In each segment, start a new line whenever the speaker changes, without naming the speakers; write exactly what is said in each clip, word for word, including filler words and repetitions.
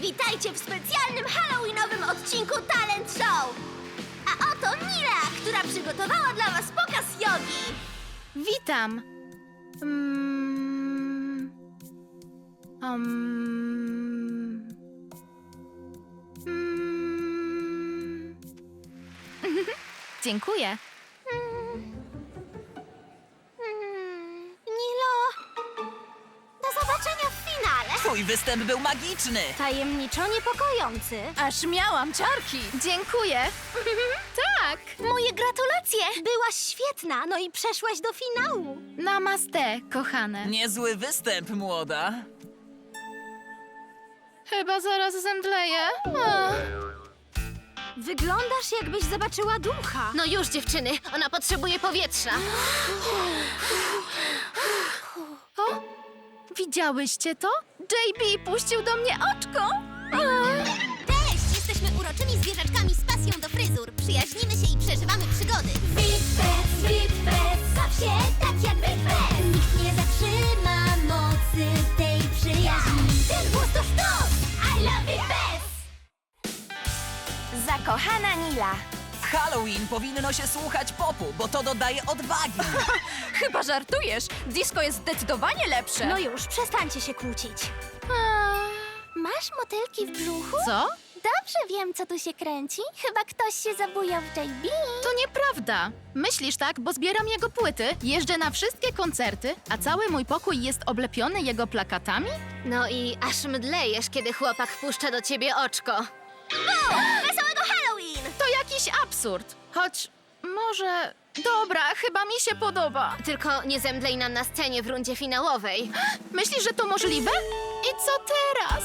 Witajcie w specjalnym halloweenowym odcinku Talent Show! A oto Nila, która przygotowała dla was pokaz jogi.
Witam. Mm. Um. Mm. Dziękuję.
Hmm, Nilo, do zobaczenia w finale.
Twój występ był magiczny!
Tajemniczo niepokojący.
Aż miałam ciarki. Dziękuję. Tak.
Moje gratulacje! Byłaś świetna, no i przeszłaś do finału.
Namaste, kochane.
Niezły występ, młoda.
Chyba zaraz zemdleję. Ach.
Wyglądasz, jakbyś zobaczyła ducha.
No już, dziewczyny, ona potrzebuje powietrza.
O, widziałyście to? J B puścił do mnie oczko. Ach.
Cześć! Jesteśmy uroczymi zwierzaczkami z pasją do fryzur. Przyjaźnimy się i przeżywamy przygody. Witpress, Witpress, baw się tak jak Witpress. Nikt nie zatrzyma mocy tej przyjaźni. Ten głos to sztos! I love Witpress!
Zakochana Nila.
W Halloween powinno się słuchać popu, bo to dodaje odwagi.
Chyba żartujesz. Disco jest zdecydowanie lepsze.
No już, przestańcie się kłócić. Masz motylki w brzuchu?
Co?
Dobrze wiem, co tu się kręci. Chyba ktoś się zabujał w J B.
To nieprawda. Myślisz tak, bo zbieram jego płyty, jeżdżę na wszystkie koncerty, a cały mój pokój jest oblepiony jego plakatami?
No i aż mdlejesz, kiedy chłopak puszcza do ciebie oczko.
Wesołego Halloween!
To jakiś absurd. Choć może... Dobra, chyba mi się podoba.
Tylko nie zemdlej nam na scenie w rundzie finałowej.
Myślisz, że to możliwe? I co teraz?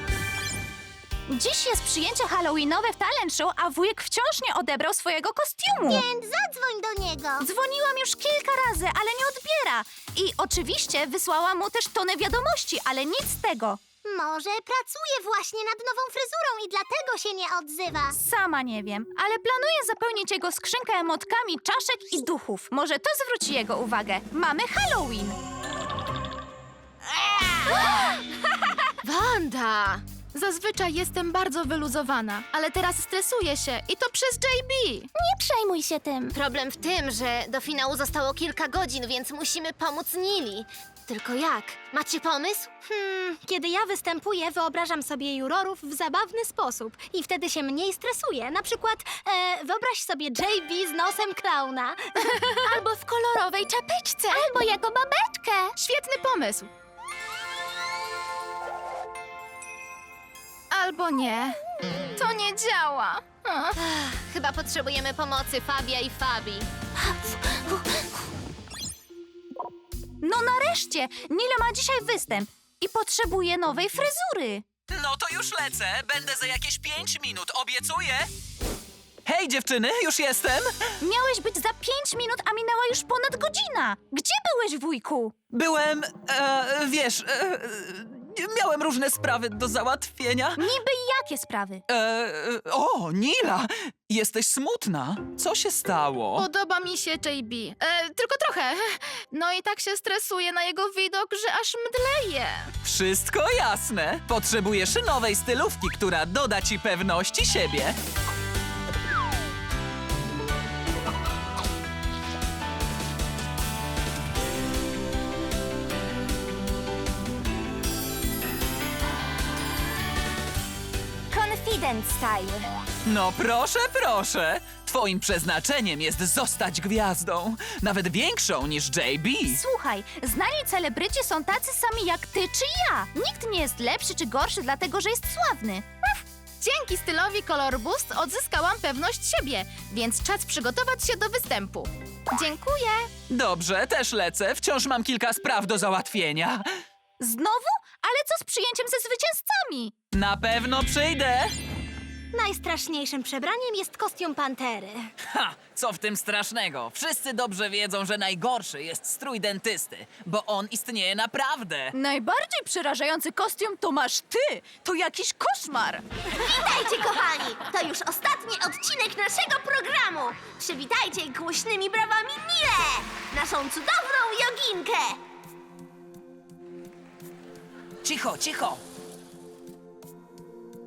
Dziś jest przyjęcie halloweenowe w Talent Show, a wujek wciąż nie odebrał swojego kostiumu.
Więc zadzwoń do niego.
Dzwoniłam już kilka razy, ale nie odbiera. I oczywiście wysłałam mu też tonę wiadomości, ale nic z tego.
Może pracuje właśnie nad nową fryzurą i dlatego się nie odzywa.
Sama nie wiem, ale planuję zapełnić jego skrzynkę emotkami czaszek i duchów. Może to zwróci jego uwagę. Mamy Halloween.
Wanda!
Zazwyczaj jestem bardzo wyluzowana, ale teraz stresuję się i to przez J B.
Nie przejmuj się tym.
Problem w tym, że do finału zostało kilka godzin, więc musimy pomóc Nili. Tylko jak? Macie pomysł?
Hmm, kiedy ja występuję, wyobrażam sobie jurorów w zabawny sposób i wtedy się mniej stresuję. Na przykład e, wyobraź sobie J B z nosem klauna.
Albo w kolorowej czapeczce.
Albo jako babeczkę.
Świetny pomysł. Albo nie. To nie działa. Ach.
Chyba potrzebujemy pomocy Fabia i Fabi.
No nareszcie! Nila ma dzisiaj występ i potrzebuje nowej fryzury.
No to już lecę, będę za jakieś pięć minut, obiecuję. Hej dziewczyny, już jestem.
Miałeś być za pięć minut, a minęła już ponad godzina. Gdzie byłeś, wujku?
Byłem, e, wiesz, e, miałem różne sprawy do załatwienia.
Niby jakie sprawy?
E, o, Nila, jesteś smutna. Co się stało?
Podoba mi się J B. E, tylko trochę. No i tak się stresuję na jego widok, że aż mdleję.
Wszystko jasne. Potrzebujesz nowej stylówki, która doda ci pewności siebie.
Confident style.
No proszę, proszę. Twoim przeznaczeniem jest zostać gwiazdą. Nawet większą niż J B.
Słuchaj, znani celebryci są tacy sami jak ty czy ja. Nikt nie jest lepszy czy gorszy dlatego, że jest sławny.
Dzięki stylowi Color Boost odzyskałam pewność siebie, więc czas przygotować się do występu. Dziękuję.
Dobrze, też lecę. Wciąż mam kilka spraw do załatwienia.
Znowu? Ale co z przyjęciem ze zwycięzcami?
Na pewno przyjdę.
Najstraszniejszym przebraniem jest kostium pantery.
Ha! Co w tym strasznego? Wszyscy dobrze wiedzą, że najgorszy jest strój dentysty, bo on istnieje naprawdę.
Najbardziej przerażający kostium to masz ty. To jakiś koszmar.
Witajcie, kochani! To już ostatni odcinek naszego programu. Przywitajcie głośnymi brawami Nilę, naszą cudowną joginkę.
Cicho, cicho.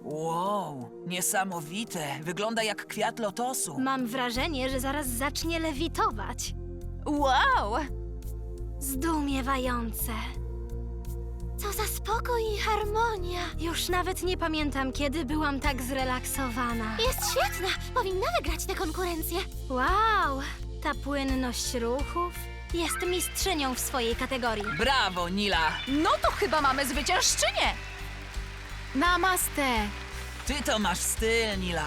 Wow, niesamowite. Wygląda jak kwiat lotosu.
Mam wrażenie, że zaraz zacznie lewitować.
Wow!
Zdumiewające. Co za spokój i harmonia. Już nawet nie pamiętam, kiedy byłam tak zrelaksowana.
Jest świetna! Powinna wygrać tę konkurencję.
Wow, ta płynność ruchów. Jest mistrzynią w swojej kategorii.
Brawo, Nila.
No to chyba mamy zwyciężczynię!
Namaste!
Ty to masz styl, Nila.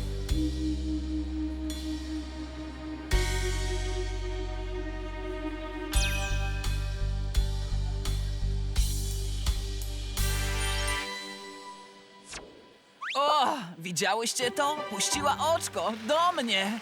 O, widziałyście to? Puściła oczko do mnie.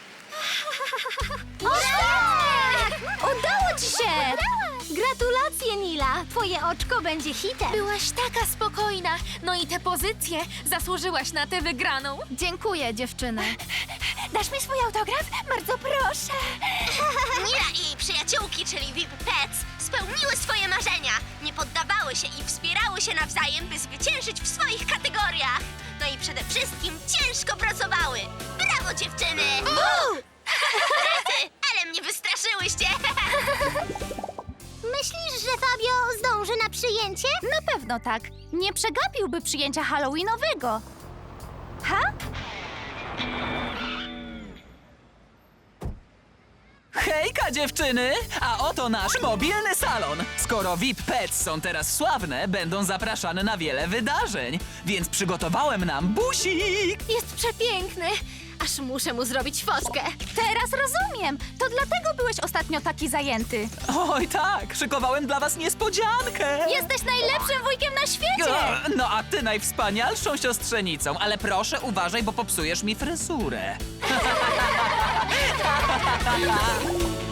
Udało ci się! Gratulacje, Nila! Twoje oczko będzie hitem.
Byłaś taka spokojna. No i te pozycje. Zasłużyłaś na tę wygraną.
Dziękuję, dziewczyny.
Dasz mi swój autograf? Bardzo proszę.
Nila i jej przyjaciółki, czyli V I P Pets, spełniły swoje marzenia. Nie poddawały się i wspierały się nawzajem, by zwyciężyć w swoich kategoriach. No i przede wszystkim ciężko pracowały. Brawo, dziewczyny! Rety, ale mnie wystraszyłyście!
Myślisz, że Fabio zdąży na przyjęcie?
Na pewno tak. Nie przegapiłby przyjęcia halloweenowego. Ha?
Hejka, dziewczyny! A oto nasz mobilny salon. Skoro V I P Pets są teraz sławne, będą zapraszane na wiele wydarzeń. Więc przygotowałem nam busik.
Jest przepiękny. Aż muszę mu zrobić fotkę.
Teraz rozumiem. To dlatego byłeś ostatnio taki zajęty.
Oj tak, szykowałem dla was niespodziankę.
Jesteś najlepszym wujkiem na świecie!
O, no a ty najwspanialszą siostrzenicą, ale proszę uważaj, bo popsujesz mi fryzurę.